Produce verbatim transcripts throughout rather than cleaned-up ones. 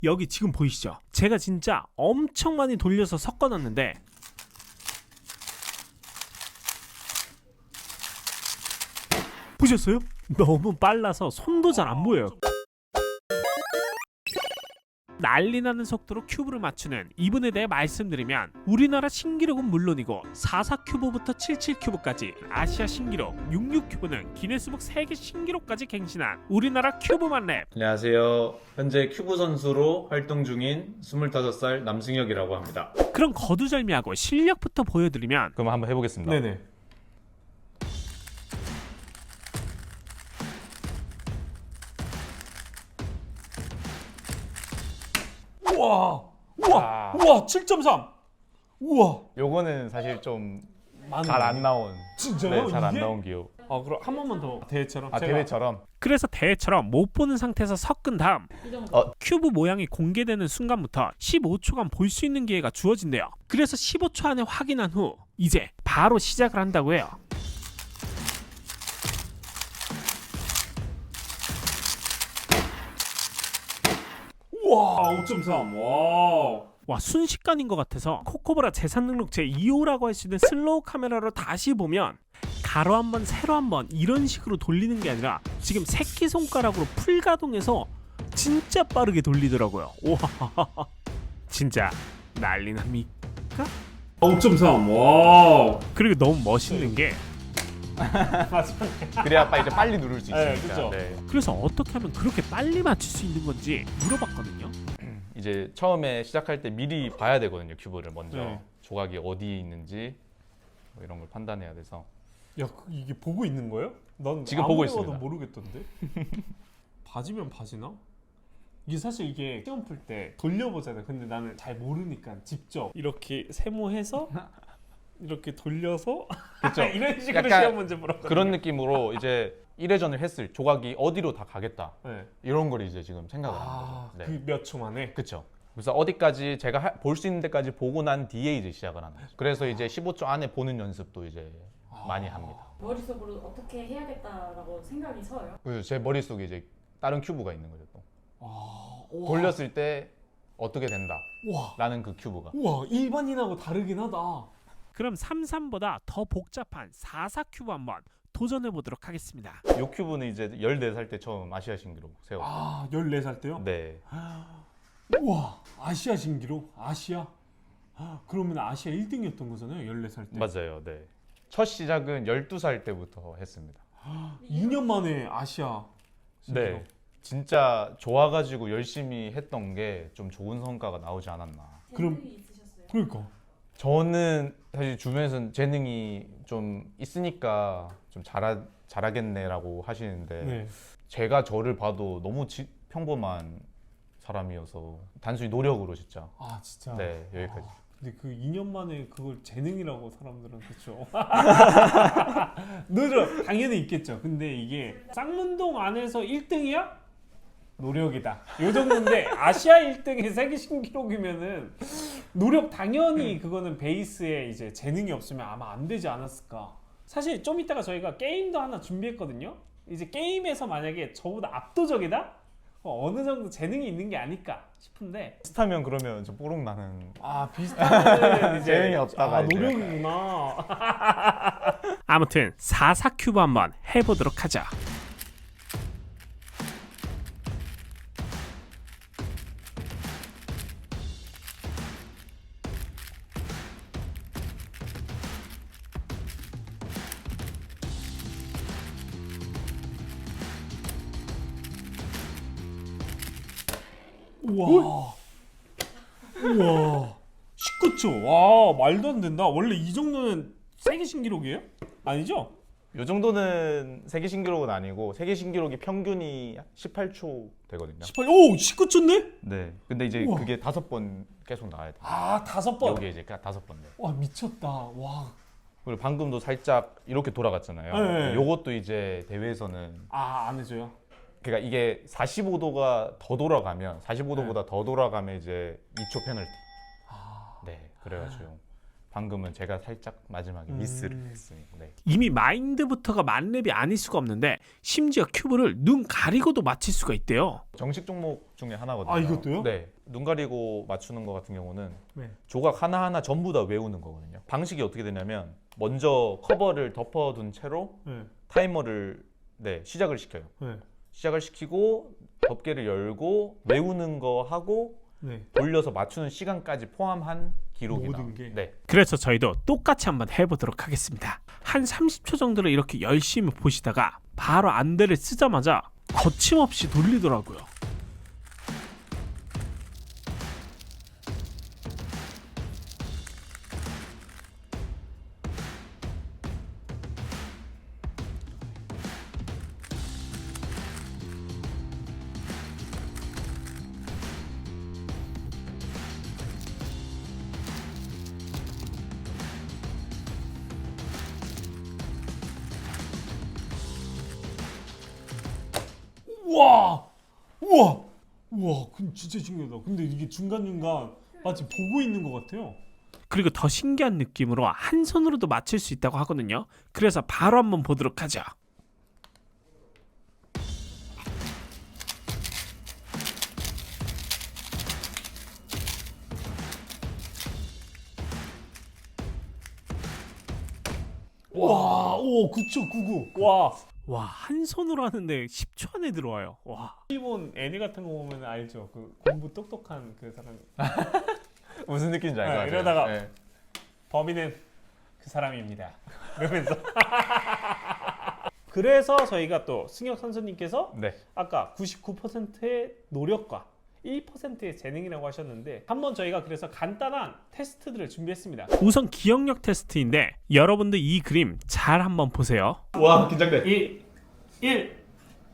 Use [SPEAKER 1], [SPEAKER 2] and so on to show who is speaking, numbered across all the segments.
[SPEAKER 1] 여기 지금 보이시죠? 제가 진짜 엄청 많이 돌려서 섞어놨는데 보셨어요? 너무 빨라서 손도 잘 안 보여요. 난리 나는 속도로 큐브를 맞추는 이분에 대해 말씀드리면 우리나라 신기록은 물론이고 사십사 큐브부터 칠십칠 큐브까지 아시아 신기록, 육십육 큐브는 기네스북 세계 신기록까지 갱신한 우리나라 큐브만 랩.
[SPEAKER 2] 안녕하세요. 현재 큐브 선수로 활동 중인 스물다섯 살 남승혁이라고 합니다.
[SPEAKER 1] 그럼 거두절미하고 실력부터 보여드리면
[SPEAKER 2] 그럼 한번 해보겠습니다.
[SPEAKER 1] 네네. 우와! 우와!
[SPEAKER 2] 아.
[SPEAKER 1] 우와! 칠 점 삼! 우와!
[SPEAKER 2] 요거는 사실 좀 잘
[SPEAKER 1] 많네.
[SPEAKER 2] 안 나온,
[SPEAKER 1] 진짜요?
[SPEAKER 2] 네, 잘 안
[SPEAKER 1] 이게?
[SPEAKER 2] 나온 기호.
[SPEAKER 1] 아 그럼 한 번만 더 대회처럼
[SPEAKER 2] 아
[SPEAKER 1] 제가-
[SPEAKER 2] 대회처럼.
[SPEAKER 1] 그래서 대회처럼 못 보는 상태에서 섞은 다음
[SPEAKER 2] 어.
[SPEAKER 1] 큐브 모양이 공개되는 순간부터 십오 초간 볼 수 있는 기회가 주어진대요. 그래서 십오 초 안에 확인한 후 이제 바로 시작을 한다고 해요. 우와 오 점 삼. 와. 와 순식간인 것 같아서 코코브라 재산 등록 제이 호라고 할 수 있는 슬로우 카메라로 다시 보면 가로 한 번 세로 한 번 이런 식으로 돌리는 게 아니라 지금 새끼손가락으로 풀가동해서 진짜 빠르게 돌리더라고요. 와 진짜 난리 납니까? 오 점 삼. 와. 그리고 너무 멋있는 게
[SPEAKER 2] 그래야 빨리, 이제 빨리 누를 수
[SPEAKER 1] 네,
[SPEAKER 2] 있으니까.
[SPEAKER 1] 그쵸.
[SPEAKER 2] 네.
[SPEAKER 1] 그래서 어떻게 하면 그렇게 빨리 맞출 수 있는 건지 물어봤거든요.
[SPEAKER 2] 이제 처음에 시작할 때 미리 봐야 되거든요. 큐브를 먼저
[SPEAKER 1] 네.
[SPEAKER 2] 조각이 어디에 있는지 뭐 이런 걸 판단해야 돼서.
[SPEAKER 1] 야 이게 보고 있는 거예요? 난
[SPEAKER 2] 지금 보고 있습니다.
[SPEAKER 1] 모르겠던데. 바지면 바지나? 이게 사실 이게 시험 풀 때 돌려보잖아요. 근데 나는 잘 모르니까 직접 이렇게 세모해서 이렇게 돌려서
[SPEAKER 2] 그쵸?
[SPEAKER 1] 이런 식으로
[SPEAKER 2] 약간
[SPEAKER 1] 시험 문제 물었거든요.
[SPEAKER 2] 그런 느낌으로 이제 일 회전을 했을 조각이 어디로 다 가겠다.
[SPEAKER 1] 네.
[SPEAKER 2] 이런 걸 이제 지금 생각을 하는
[SPEAKER 1] 아,
[SPEAKER 2] 거죠. 네.
[SPEAKER 1] 그 몇 초 만에.
[SPEAKER 2] 그렇죠. 그래서 어디까지 제가 볼 수 있는 데까지 보고 난 뒤에 이제 시작을 하는 거죠. 그래서 이제 십오 초 안에 보는 연습도 이제 많이 합니다.
[SPEAKER 3] 머릿속으로 어떻게 해야겠다라고 생각이 서요?
[SPEAKER 2] 그래서 제 머릿속에 이제 다른 큐브가 있는 거죠. 또
[SPEAKER 1] 아, 우와.
[SPEAKER 2] 돌렸을 때 어떻게 된다
[SPEAKER 1] 우와.
[SPEAKER 2] 라는 그 큐브가.
[SPEAKER 1] 우와 일반인하고 다르긴 하다. 그럼 삼십삼보다 더 복잡한 사십사 큐브 한번 도전해 보도록 하겠습니다.
[SPEAKER 2] 이 큐브는 이제 열네 살 때 처음 아시아 신기록 세웠어요.
[SPEAKER 1] 아 열네 살 때요?
[SPEAKER 2] 네.
[SPEAKER 1] 우와 아시아 신기록? 아시아? 아, 그러면 아시아 일 등이었던 거잖아요 열네 살 때.
[SPEAKER 2] 맞아요. 네. 첫 시작은 열두 살 때부터 했습니다.
[SPEAKER 1] 이 년 만에 아시아 신기록.
[SPEAKER 2] 네. 진짜 좋아가지고 열심히 했던 게 좀 좋은 성과가 나오지 않았나.
[SPEAKER 1] 그럼-
[SPEAKER 3] 재능이 있으셨어요?
[SPEAKER 1] 그러니까
[SPEAKER 2] 저는 사실 주변에서는 재능이 좀 있으니까 좀 잘하, 잘하겠네라고 하시는데
[SPEAKER 1] 네.
[SPEAKER 2] 제가 저를 봐도 너무 지, 평범한 사람이어서 단순히 노력으로 진짜
[SPEAKER 1] 아 진짜.
[SPEAKER 2] 네 여기까지.
[SPEAKER 1] 아, 근데 그 이 년 만에 그걸 재능이라고 사람들은 그렇죠. 노력 당연히 있겠죠. 근데 이게 쌍문동 안에서 일 등이야? 노력이다. 요 정도인데 아시아 일 등이 세계 신기록이면은 노력 당연히 그거는 베이스에 이제 재능이 없으면 아마 안 되지 않았을까. 사실 좀 이따가 저희가 게임도 하나 준비했거든요. 이제 게임에서 만약에 저보다 압도적이다? 어, 어느 정도 재능이 있는 게 아닐까 싶은데
[SPEAKER 2] 비슷하면 그러면 좀 뽀록 나는.
[SPEAKER 1] 아 비슷한 이제
[SPEAKER 2] 재능이 없다가
[SPEAKER 1] 아,
[SPEAKER 2] 이제
[SPEAKER 1] 노력이구나. 아무튼 사십사 큐브 한번 해보도록 하자. 우와. 우와. 십구 초. 와, 말도 안 된다. 원래 이 정도는 세계 신기록이에요? 아니죠?
[SPEAKER 2] 이 정도는 세계 신기록은 아니고 세계 신기록이 평균이 십팔 초 되거든요.
[SPEAKER 1] 십팔. 오, 십구 초인데?
[SPEAKER 2] 네. 근데 이제
[SPEAKER 1] 우와.
[SPEAKER 2] 그게 다섯 번 계속 나와야 돼요.
[SPEAKER 1] 아, 다섯 번.
[SPEAKER 2] 여기 이제 다섯 번. 네.
[SPEAKER 1] 와, 미쳤다. 와.
[SPEAKER 2] 그리고 방금도 살짝 이렇게 돌아갔잖아요.
[SPEAKER 1] 네.
[SPEAKER 2] 요것도 이제 대회에서는
[SPEAKER 1] 아, 안 해줘요?
[SPEAKER 2] 그러니까 이게 사십오 도가 더 돌아가면 사십오 도보다 더 돌아가면 이제 이 초 페널티.
[SPEAKER 1] 아.
[SPEAKER 2] 네. 그래가지고 방금은 제가 살짝 마지막에
[SPEAKER 1] 음.
[SPEAKER 2] 미스를 했습니다. 네.
[SPEAKER 1] 이미 마인드부터가 만렙이 아닐 수가 없는데 심지어 큐브를 눈 가리고도 맞힐 수가 있대요.
[SPEAKER 2] 정식 종목 중에 하나거든요.
[SPEAKER 1] 아, 이것도요?
[SPEAKER 2] 네. 눈 가리고 맞추는 거 같은 경우는
[SPEAKER 1] 네.
[SPEAKER 2] 조각 하나하나 전부 다 외우는 거거든요. 방식이 어떻게 되냐면 먼저 커버를 덮어둔 채로
[SPEAKER 1] 네.
[SPEAKER 2] 타이머를 네, 시작을 시켜요.
[SPEAKER 1] 네.
[SPEAKER 2] 시작을 시키고 덮개를 열고 외우는 거 하고
[SPEAKER 1] 네.
[SPEAKER 2] 돌려서 맞추는 시간까지 포함한 기록이
[SPEAKER 1] 모든
[SPEAKER 2] 나와요.
[SPEAKER 1] 게?
[SPEAKER 2] 네.
[SPEAKER 1] 그래서 저희도 똑같이 한번 해보도록 하겠습니다. 한 삼십 초 정도를 이렇게 열심히 보시다가 바로 안대를 쓰자마자 거침없이 돌리더라고요. 우와! 우와! 우와! 그 진짜 신기하다. 근데 이게 중간중간 마치 보고 있는 것 같아요. 그리고 더 신기한 느낌으로 한 손으로도 맞출 수 있다고 하거든요. 그래서 바로 한번 보도록 하죠. 와, 오, 구 초 구구. 와. 와, 한 손으로 하는데 십 초 안에 들어와요. 와. 일본 애니 같은 거 보면 알죠? 그 공부 똑똑한 그 사람.
[SPEAKER 2] 무슨 느낌인지 알 것
[SPEAKER 1] 네,
[SPEAKER 2] 같아요.
[SPEAKER 1] 이러다가
[SPEAKER 2] 네.
[SPEAKER 1] 범인은 그 사람입니다. 그러면서. 그래서 저희가 또 승혁 선수님께서
[SPEAKER 2] 네.
[SPEAKER 1] 아까 구십구 퍼센트의 노력과 일 퍼센트의 재능이라고 하셨는데 한번 저희가 그래서 간단한 테스트들을 준비했습니다. 우선 기억력 테스트인데 여러분들 이 그림 잘 한번 보세요.
[SPEAKER 2] 와, 긴장돼.
[SPEAKER 1] 일, 일.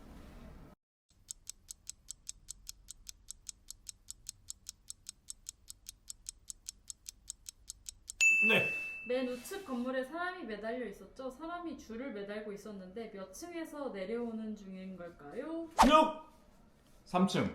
[SPEAKER 1] 네.
[SPEAKER 3] 맨 우측 건물에 사람이 매달려 있었죠. 사람이 줄을 매달고 있었는데 몇 층에서 내려오는 중인 걸까요?
[SPEAKER 1] 승혁!
[SPEAKER 2] 삼 층.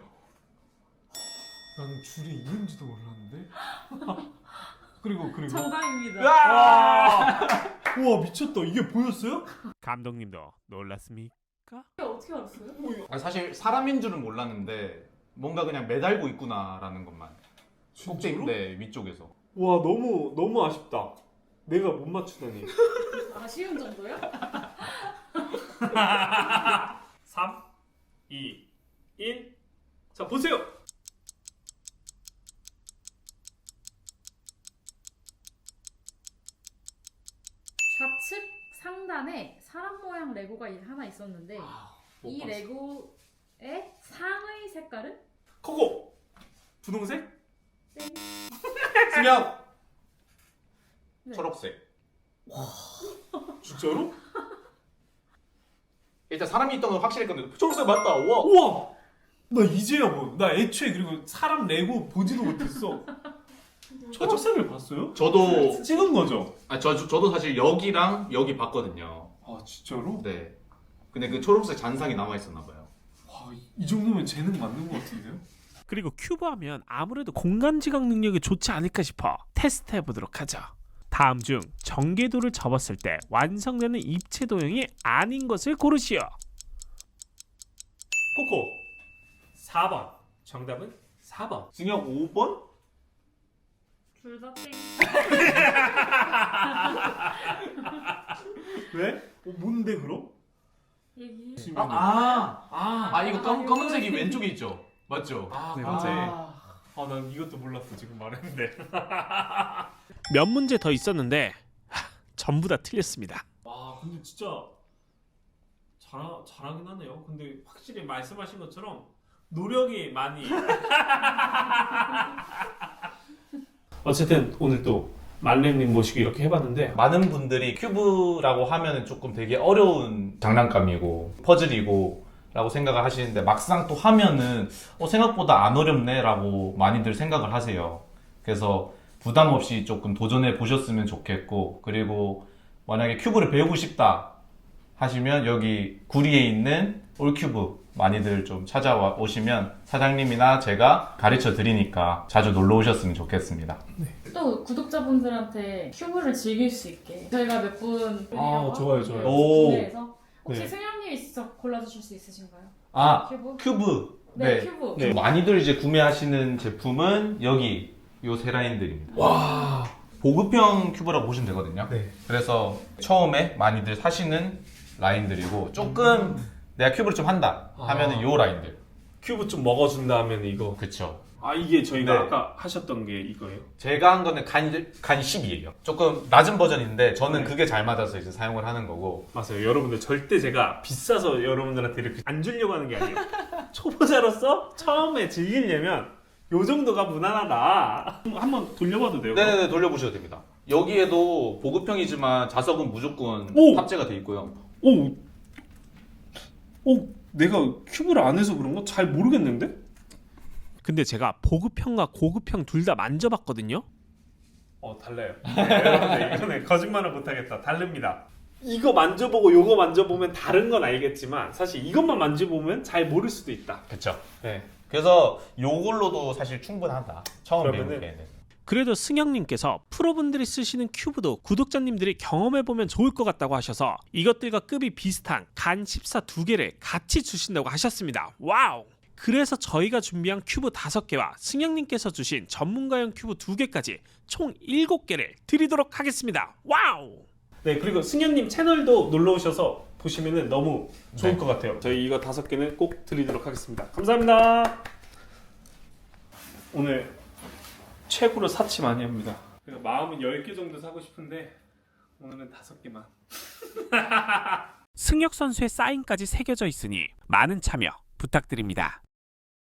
[SPEAKER 1] 나는 줄이 있는지도 몰랐는데. 그리고 그리고.
[SPEAKER 3] 정답입니다.
[SPEAKER 1] 와! 우와 미쳤다. 이게 보였어요? 감독님도 놀랐습니까?
[SPEAKER 3] 어떻게 알았어요?
[SPEAKER 2] 아, 사실 사람인 줄은 몰랐는데 뭔가 그냥 매달고 있구나라는 것만. 꼭대기 네, 위쪽에서.
[SPEAKER 1] 와 너무 너무 아쉽다. 내가 못 맞추다니.
[SPEAKER 3] 아쉬운 정도요?
[SPEAKER 1] 삼, 이, 일. 자 보세요.
[SPEAKER 3] 좌측 상단에 사람 모양 레고가 하나 있었는데 이
[SPEAKER 1] 봤어.
[SPEAKER 3] 레고의 상의 색깔은?
[SPEAKER 1] 코코. 분홍색?
[SPEAKER 3] 땡.
[SPEAKER 2] 승혁.
[SPEAKER 3] 네.
[SPEAKER 2] 초록색.
[SPEAKER 1] 진짜로?
[SPEAKER 2] 일단 사람이 있던 건 확실할 건데 초록색 맞다. 우와.
[SPEAKER 1] 우와. 나 이제야 뭐. 나 애초에 그리고 사람 레고 보지도 못했어. 초록색을 봤어요?
[SPEAKER 2] 저도
[SPEAKER 1] 찍은 거죠?
[SPEAKER 2] 아, 저, 저 저도 사실 여기랑 여기 봤거든요.
[SPEAKER 1] 아 진짜로?
[SPEAKER 2] 네. 근데 그 초록색 잔상이 남아 있었나 봐요.
[SPEAKER 1] 와, 이 정도면 재능 맞는 것 같은데요? 그리고 큐브 하면 아무래도 공간 지각 능력이 좋지 않을까 싶어 테스트 해보도록 하죠. 다음 중 전개도를 접었을 때 완성되는 입체 도형이 아닌 것을 고르시오. 코코 사 번. 정답은 사 번.
[SPEAKER 2] 승혁 오 번?
[SPEAKER 3] 둘 다 땡.
[SPEAKER 1] 왜? 어, 뭔데 그럼?
[SPEAKER 3] 얘기.
[SPEAKER 2] 아, 아,
[SPEAKER 1] 아,
[SPEAKER 2] 아 이거 검, 검은색이 왼쪽에 있죠. 맞죠?
[SPEAKER 1] 아,
[SPEAKER 2] 네,
[SPEAKER 1] 맞지.
[SPEAKER 2] 맞아요.
[SPEAKER 1] 아, 난 이것도 몰랐어 지금 말했는데. 몇 문제 더 있었는데 하, 전부 다 틀렸습니다. 와, 근데 진짜 잘 잘하긴 하네요. 근데 확실히 말씀하신 것처럼 노력이 많이. 어쨌든 오늘 또 말렘님 모시고 이렇게 해봤는데
[SPEAKER 2] 많은 분들이 큐브라고 하면 조금 되게 어려운 장난감이고 퍼즐이고 라고 생각을 하시는데 막상 또 하면은 어, 생각보다 안 어렵네 라고 많이들 생각을 하세요. 그래서 부담 없이 조금 도전해 보셨으면 좋겠고, 그리고 만약에 큐브를 배우고 싶다 하시면 여기 구리에 있는 올큐브 많이들 좀 찾아와 오시면 사장님이나 제가 가르쳐 드리니까 자주 놀러 오셨으면 좋겠습니다.
[SPEAKER 3] 또 구독자분들한테 큐브를 즐길 수 있게 저희가 몇 분
[SPEAKER 1] 아, 좋아요, 좋아요.
[SPEAKER 2] 오.
[SPEAKER 3] 구매해서 혹시
[SPEAKER 1] 네.
[SPEAKER 3] 승현님이 직접 골라주실 수 있으신가요?
[SPEAKER 2] 아,
[SPEAKER 3] 큐브?
[SPEAKER 2] 큐브.
[SPEAKER 3] 네, 큐브.
[SPEAKER 1] 네.
[SPEAKER 2] 많이들 이제 구매하시는 제품은 여기 요 세 라인들입니다.
[SPEAKER 1] 와.
[SPEAKER 2] 보급형 큐브라고 보시면 되거든요.
[SPEAKER 1] 네.
[SPEAKER 2] 그래서 처음에 많이들 사시는 라인들이고 조금 내가 큐브를 좀 한다 하면은
[SPEAKER 1] 아.
[SPEAKER 2] 요 라인들.
[SPEAKER 1] 큐브 좀 먹어준다 하면 이거.
[SPEAKER 2] 그쵸.
[SPEAKER 1] 아 이게 저희가
[SPEAKER 2] 네.
[SPEAKER 1] 아까 하셨던 게 이거예요?
[SPEAKER 2] 제가 한 거는 간, 간 십이에요. 조금 낮은 버전인데 저는
[SPEAKER 1] 네.
[SPEAKER 2] 그게 잘 맞아서 이제 사용을 하는 거고.
[SPEAKER 1] 맞아요. 여러분들 절대 제가 비싸서 여러분들한테 이렇게 안 주려고 하는 게 아니에요. 초보자로서 처음에 즐기려면 요 정도가 무난하다. 한번 돌려봐도 돼요?
[SPEAKER 2] 네네네, 돌려보셔도 됩니다. 여기에도 보급형이지만 자석은 무조건
[SPEAKER 1] 오!
[SPEAKER 2] 탑재가 돼 있고요.
[SPEAKER 1] 오, 오, 내가 큐브를 안 해서 그런가? 잘 모르겠는데? 근데 제가 보급형과 고급형 둘 다 만져봤거든요. 어 달라요. 네, 여러분들 이거는 거짓말을 못하겠다. 다릅니다. 이거 만져보고 요거 만져보면 다른 건 알겠지만 사실 이것만 만져보면 잘 모를 수도 있다.
[SPEAKER 2] 그쵸.
[SPEAKER 1] 네.
[SPEAKER 2] 그래서 요걸로도 사실 충분하다. 처음
[SPEAKER 1] 그러면은-
[SPEAKER 2] 배우기에는.
[SPEAKER 1] 그래도 승영님께서 프로분들이 쓰시는 큐브도 구독자님들이 경험해보면 좋을 것 같다고 하셔서 이것들과 급이 비슷한 간 십사 두 개를 같이 주신다고 하셨습니다. 와우! 그래서 저희가 준비한 큐브 다섯 개와 승영님께서 주신 전문가용 큐브 두 개까지 총 일곱 개를 드리도록 하겠습니다. 와우! 네, 그리고 승현님 채널도 놀러 오셔서 보시면 너무 좋을
[SPEAKER 2] 네.
[SPEAKER 1] 것 같아요. 저희 이거 다섯 개는 꼭 드리도록 하겠습니다. 감사합니다. 오늘 최고로 사치 많이 합니다. 마음은 열 개 정도 사고 싶은데 오늘은 다섯 개만. 승혁 선수의 사인까지 새겨져 있으니 많은 참여 부탁드립니다.